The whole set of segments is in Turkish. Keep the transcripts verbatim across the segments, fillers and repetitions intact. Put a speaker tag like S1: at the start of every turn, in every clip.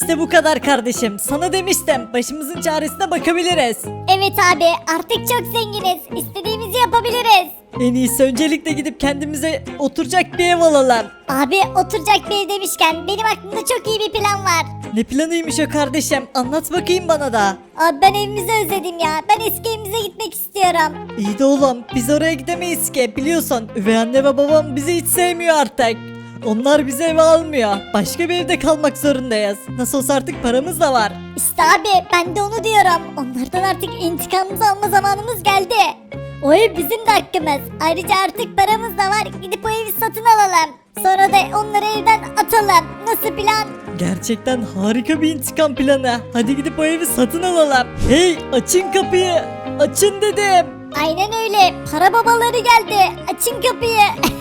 S1: İşte bu kadar kardeşim. Sana demiştim. Başımızın çaresine bakabiliriz.
S2: Evet abi artık çok zenginiz. İstediğimizi yapabiliriz.
S1: En iyisi öncelikle gidip kendimize oturacak bir ev alalım.
S2: Abi oturacak bir ev demişken benim aklımda çok iyi bir plan var.
S1: Ne planıymış o kardeşim? Anlat bakayım bana da.
S2: Abi ben evimizi özledim ya. Ben eski evimize gitmek istiyorum.
S1: İyi de oğlum biz oraya gidemeyiz ki biliyorsun. Üvey anne ve babam bizi hiç sevmiyor artık. Onlar bizi eve almıyor. Başka bir evde kalmak zorundayız. Nasıl olsa artık paramız da var.
S2: İşte abi ben de onu diyorum. Onlardan artık intikamımızı alma zamanımız geldi. O ev bizim de hakkımız. Ayrıca artık paramız da var. Gidip o evi satın alalım. Sonra da onları evden atalım. Nasıl plan?
S1: Gerçekten harika bir intikam planı. Hadi gidip o evi satın alalım. Hey açın kapıyı. Açın dedim.
S2: Aynen öyle. Para babaları geldi. Açın kapıyı.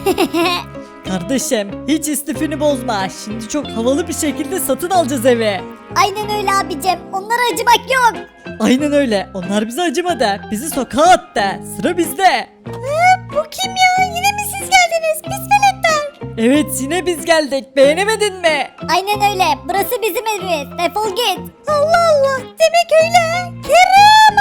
S1: Kardeşim hiç istifini bozma. Şimdi çok havalı bir şekilde satın alacağız evi.
S2: Aynen öyle abicim. Onlara acımak yok.
S1: Aynen öyle. Onlar bize acımadı. Bizi sokağa attı. Sıra bizde.
S2: Bu kim ya? Yine mi siz geldiniz? Pis veletler.
S1: Evet yine biz geldik. Beğenemedin mi?
S2: Aynen öyle. Burası bizim evimiz. Defol git. Allah Allah. Demek öyle. Kerem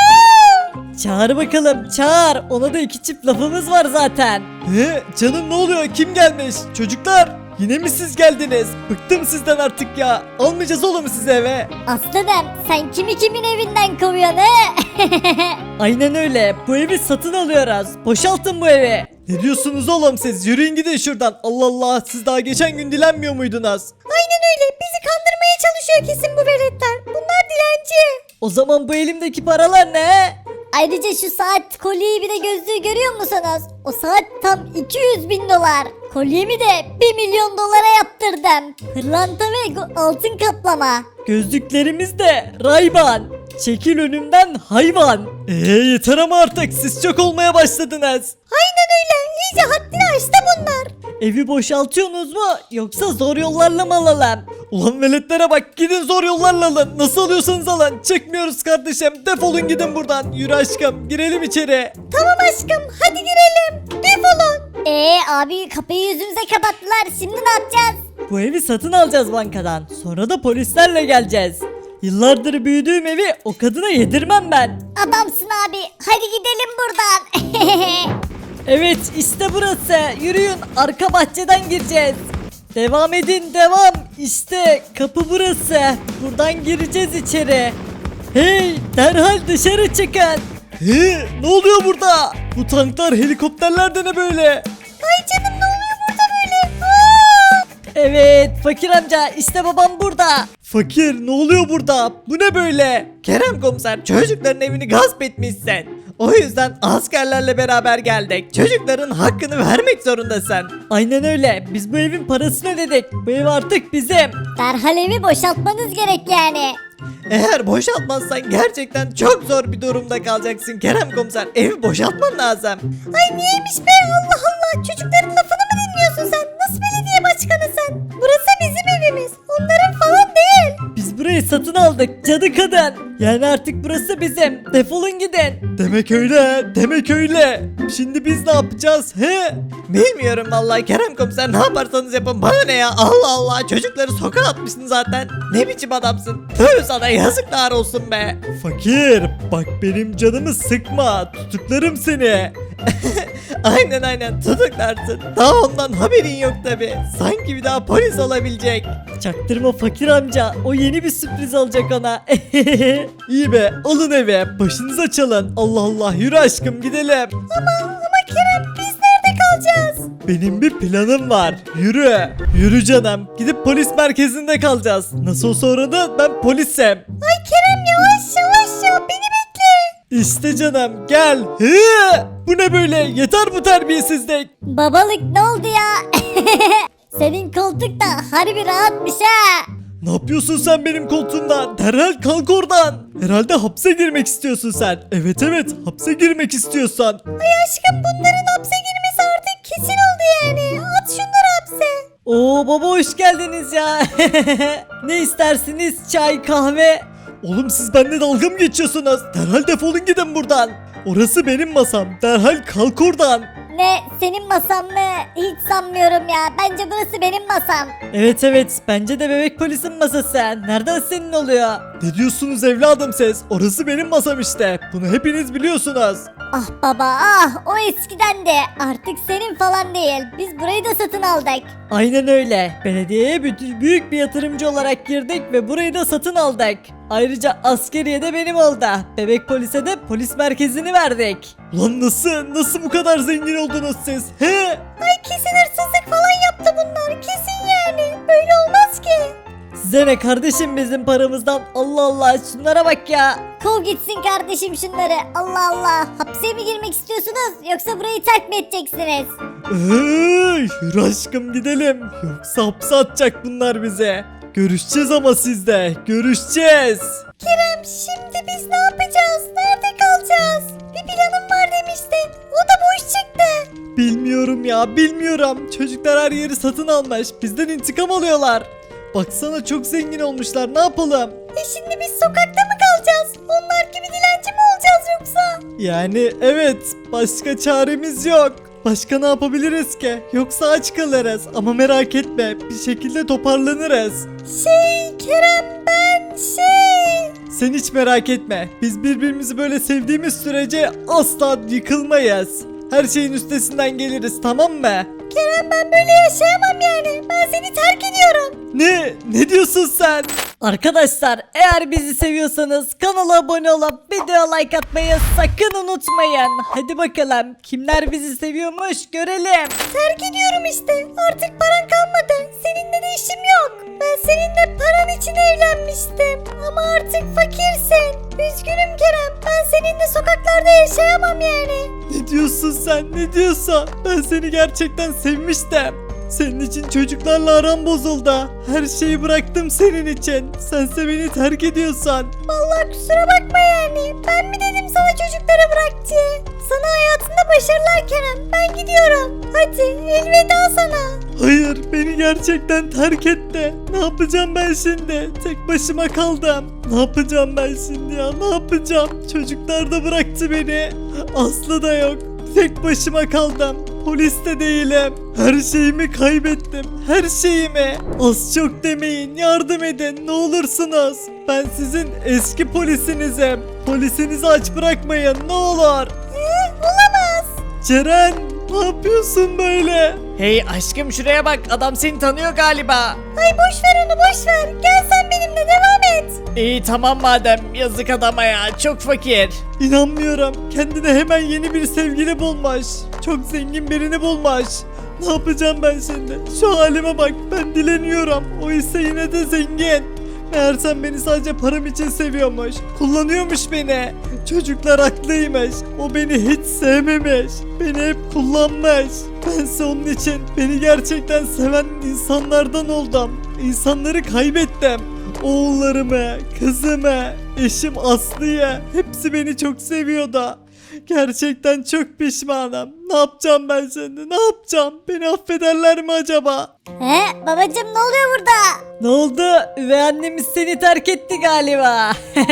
S2: aşkım.
S1: Çağır bakalım çağır. Ona da iki çift lafımız var zaten.
S3: He, canım ne oluyor? Kim gelmiş? Çocuklar, yine mi siz geldiniz? Bıktım sizden artık ya. Almayacağız oğlum sizi eve.
S2: Aslanım sen kimi kimin evinden kovuyorsun he?
S1: Aynen öyle. Bu evi satın alıyoruz. Boşaltın bu evi.
S3: Ne diyorsunuz oğlum siz? Yürüyün gidin şuradan. Allah Allah, siz daha geçen gün dilenmiyor muydunuz?
S2: Aynen öyle. Bizi kandırmaya çalışıyor kesin bu veletler. Bunlar dilenci.
S1: O zaman bu elimdeki paralar ne?
S2: Ayrıca şu saat, kolyeyi bir de gözlüğü görüyor musunuz? O saat tam iki yüz bin dolar. Kolyemi de bir milyon dolara yaptırdım. Pırlanta ve go- altın kaplama.
S1: Gözlüklerimiz de Ray-Ban. Çekil önümden hayvan.
S3: Eee yeter ama artık, siz çok olmaya başladınız.
S2: Aynen öyle. İyice haddini aştı bunlar.
S1: Evi boşaltıyorsunuz mu yoksa zor yollarla mı alalım?
S3: Ulan veletlere bak, gidin zor yollarla alın. Nasıl alıyorsanız alın. Çıkmıyoruz kardeşim, defolun gidin buradan. Yürü aşkım, girelim içeri.
S2: Tamam aşkım hadi girelim. Defolun. Eee abi kapıyı yüzümüze kapattılar. Şimdi ne yapacağız?
S1: Bu evi satın alacağız bankadan. Sonra da polislerle geleceğiz. Yıllardır büyüdüğüm evi o kadına yedirmem ben.
S2: Adamsın abi. Hadi gidelim buradan.
S1: Evet işte burası. Yürüyün arka bahçeden gireceğiz. Devam edin devam. İşte kapı burası. Buradan gireceğiz içeri. Hey derhal dışarı çıkın.
S3: He, ne oluyor burada? Bu tanklar, helikopterler de ne böyle?
S2: Ay canım ne oluyor burada böyle? Aa!
S1: Evet fakir amca işte babam burada.
S3: Fakir, ne oluyor burada? Bu ne böyle? Kerem komiser, çocukların evini gasp etmişsin. O yüzden askerlerle beraber geldik. Çocukların hakkını vermek zorundasın.
S1: Aynen öyle. Biz bu evin parasını ödedik. Bu ev artık bizim.
S2: Derhal evi boşaltmanız gerek yani.
S3: Eğer boşaltmazsan gerçekten çok zor bir durumda kalacaksın Kerem komiser. Evi boşaltman lazım.
S2: Ay niyeymiş be Allah Allah. Çocukların lafını mı dinliyorsun sen? Nasıl belediye başkanı sen? Burası bizim evimiz. Onların falan değil.
S1: Biz burayı satın aldık cadı kadın. Yani artık burası bizim. Defolun gidin.
S3: Demek öyle, demek öyle. Şimdi biz ne yapacağız he? Bilmiyorum vallahi Kerem komiser, ne yaparsanız yapın, bana ne ya, Allah Allah, çocukları sokağa atmışsın zaten. Ne biçim adamsın? Tüh sana, yazıklar olsun be. Fakir, bak benim canımı sıkma, tutuklarım seni. Aynen aynen tutuklarsın. Daha ondan haberin yok tabi. Sanki bir daha polis olabilecek.
S1: Çaktırma fakir amca. O yeni bir sürpriz olacak ona.
S3: İyi be, alın eve, başınıza çalın. Allah Allah, yürü aşkım gidelim.
S2: Ama Kerem biz nerede kalacağız?
S3: Benim bir planım var. Yürü. Yürü canım. Gidip polis merkezinde kalacağız. Nasıl olsa orada ben polisim.
S2: Ay Kerem yavaş yavaş ya beni bekle.
S3: İşte canım gel. Hı! Bu ne böyle? Yeter bu terbiyesizlik.
S2: Babalık ne oldu ya? Senin koltuk da harbi rahatmış ha.
S3: Ne yapıyorsun sen benim koltuğumda? Derhal kalk oradan. Herhalde hapse girmek istiyorsun sen. Evet evet, hapse girmek istiyorsan.
S2: Ay aşkım bunların hapse girmesi artık kesin oldu yani. At şunları hapse.
S1: Oo baba hoş geldiniz ya. Ne istersiniz? Çay, kahve?
S3: Oğlum siz benimle dalga mı geçiyorsunuz? Derhal defolun gidin buradan. Orası benim masam. Derhal kalk oradan.
S2: Ne senin masan mı? Hiç sanmıyorum ya. Bence burası benim masam.
S1: Evet evet bence de bebek polisin masası. Nereden senin oluyor?
S3: Ne diyorsunuz evladım siz? Orası benim masam işte. Bunu hepiniz biliyorsunuz.
S2: Ah baba ah o eskiden de artık senin falan değil. Biz burayı da satın aldık.
S1: Aynen öyle. Belediyeye bütün- büyük bir yatırımcı olarak girdik ve burayı da satın aldık. Ayrıca askeriye de benim oldu. Bebek polise de polis merkezini verdik.
S3: Lan nasıl? Nasıl bu kadar zengin oldunuz siz? He?
S2: Ay kesin hırsızlık falan yaptı bunlar. Kesin yani. Böyle olmaz ki.
S1: Size ne kardeşim bizim paramızdan? Allah Allah şunlara bak ya.
S2: Kov gitsin kardeşim şunları. Allah Allah. Hapse mi girmek istiyorsunuz yoksa burayı terk mi edeceksiniz?
S3: Hey, yürü aşkım gidelim. Yoksa hapse atacak bunlar bize. Görüşeceğiz ama sizde. Görüşeceğiz.
S2: Kerem şimdi biz ne yapacağız? Nerede kalacağız? Bir planım var demiştin. O da boş çıktı.
S3: Bilmiyorum ya bilmiyorum. Çocuklar her yeri satın almış. Bizden intikam alıyorlar. Baksana çok zengin olmuşlar. Ne yapalım?
S2: E şimdi biz sokakta mı kalacağız? Onlar gibi dilenci mi olacağız yoksa?
S3: Yani evet. Başka çaremiz yok. Başka ne yapabiliriz ki? Yoksa aç kalırız. Ama merak etme. Bir şekilde toparlanırız.
S2: Şey Kerem ben şey...
S3: Sen hiç merak etme. Biz birbirimizi böyle sevdiğimiz sürece asla yıkılmayız. Her şeyin üstesinden geliriz, tamam mı?
S2: Kerem ben böyle yaşayamam yani. Ben seni terk ediyorum.
S3: Ne? Ne diyorsun sen?
S1: Arkadaşlar eğer bizi seviyorsanız kanala abone olup video like atmayı sakın unutmayın. Hadi bakalım kimler bizi seviyormuş görelim.
S2: Terk ediyorum işte. Artık paran kalmadı. Seninle de işim yok. Ben seninle paran için evlenmiştim. Ama artık fakirsin. Üzgünüm Kerem. Ben seninle sokaklarda yaşayamam yani.
S3: Ne diyorsun sen? Ne diyorsun? Ben seni gerçekten sevmiştim. Senin için çocuklarla aram bozuldu. Her şeyi bıraktım senin için. Sense beni terk ediyorsan.
S2: Vallahi kusura bakma yani. Ben mi dedim sana çocukları bırak diye? Sana hayatında başarılar Kerem. Ben gidiyorum. Hadi elveda sana.
S3: Hayır, beni gerçekten terk etti. Ne yapacağım ben şimdi? Tek başıma kaldım. Ne yapacağım ben şimdi ya? Ne yapacağım? Çocuklar da bıraktı beni. Aslı da yok. Tek başıma kaldım. Polis de değilim. Her şeyimi kaybettim. Her şeyimi. Az çok demeyin. Yardım edin. Ne olursunuz. Ben sizin eski polisinizim. Polisinizi aç bırakmayın. Ne olur.
S2: Ee, olamaz.
S3: Ceren, ne yapıyorsun böyle?
S1: Hey aşkım şuraya bak adam seni tanıyor galiba.
S2: Ay boş ver onu boş ver. Gel sen benimle devam et.
S1: İyi tamam madem yazık adama ya çok fakir.
S3: İnanmıyorum. Kendine hemen yeni bir sevgili bulmuş. Çok zengin birini bulmuş. Ne yapacağım ben şimdi? Şu halime bak. Ben dileniyorum. O ise yine de zengin. Meğersem beni sadece param için seviyormuş. Kullanıyormuş beni. Çocuklar haklıymış. O beni hiç sevmemiş. Beni hep kullanmış. Bense onun için beni gerçekten seven insanlardan oldum. İnsanları kaybettim. Oğullarımı, kızımı, eşim Aslı'yı hepsi beni çok seviyordu. Gerçekten çok pişmanım. Ne yapacağım ben şimdi? Ne yapacağım? Beni affederler mi acaba?
S2: He babacım ne oluyor burada?
S1: Ne oldu? Üvey annemiz seni terk etti galiba.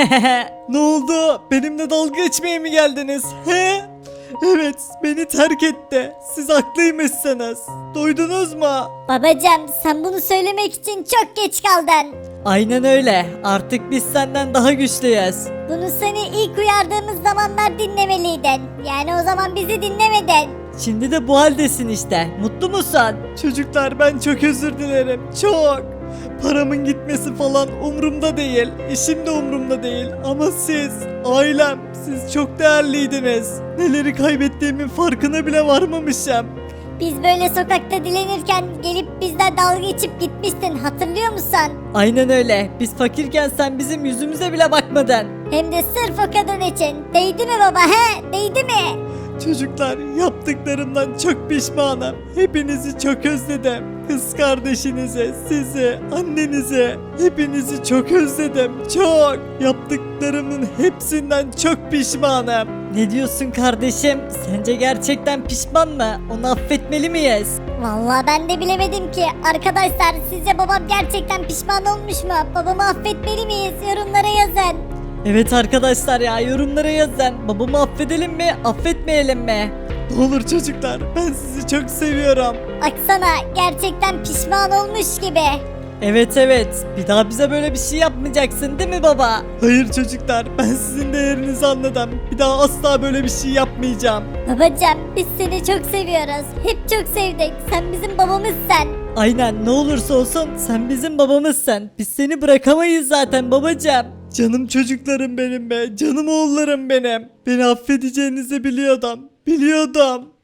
S3: Ne oldu? Benimle dalga geçmeye mi geldiniz? He? Evet, beni terk etti. Siz haklıymışsınız. Duydunuz mu?
S2: Babacım sen bunu söylemek için çok geç kaldın.
S1: Aynen öyle artık biz senden daha güçlüyüz.
S2: Bunu seni ilk uyardığımız zamanlar dinlemeliydin. Yani o zaman bizi dinlemedin.
S1: Şimdi de bu haldesin işte mutlu musun?
S3: Çocuklar ben çok özür dilerim. Çok. Paramın gitmesi falan umurumda değil. İşim de umurumda değil. Ama siz, ailem, siz çok değerliydiniz. Neleri kaybettiğimin farkına bile varmamışım.
S2: Biz böyle sokakta dilenirken gelip bizden dalga geçip gitmiştin hatırlıyor musun?
S1: Aynen öyle biz fakirken sen bizim yüzümüze bile bakmadın.
S2: Hem de sırf o kadın için. Değdi mi baba he? Değdi mi?
S3: Çocuklar yaptıklarımdan çok pişmanım. Hepinizi çok özledim. Kız kardeşinizi, sizi, annenizi, hepinizi çok özledim. Çok. Yaptıklarımın hepsinden çok pişmanım.
S1: Ne diyorsun kardeşim? Sence gerçekten pişman mı? Onu affetmeli miyiz?
S2: Vallahi ben de bilemedim ki. Arkadaşlar sizce babam gerçekten pişman olmuş mu? Babamı affetmeli miyiz? Yorumlara yazın.
S1: Evet arkadaşlar ya yorumlara yazın. Babamı affedelim mi affetmeyelim mi?
S3: Ne olur çocuklar, ben sizi çok seviyorum.
S2: Baksana gerçekten pişman olmuş gibi.
S1: Evet evet bir daha bize böyle bir şey yapmayacaksın değil mi baba?
S3: Hayır çocuklar, ben sizin değerinizi anladım. Bir daha asla böyle bir şey yapmayacağım.
S2: Babacım biz seni çok seviyoruz. Hep çok sevdik. Sen bizim babamızsın.
S1: Aynen ne olursa olsun sen bizim babamızsın. Biz seni bırakamayız zaten babacığım.
S3: Canım çocuklarım benim be, canım oğullarım benim. Beni affedeceğinizi biliyordum, biliyordum.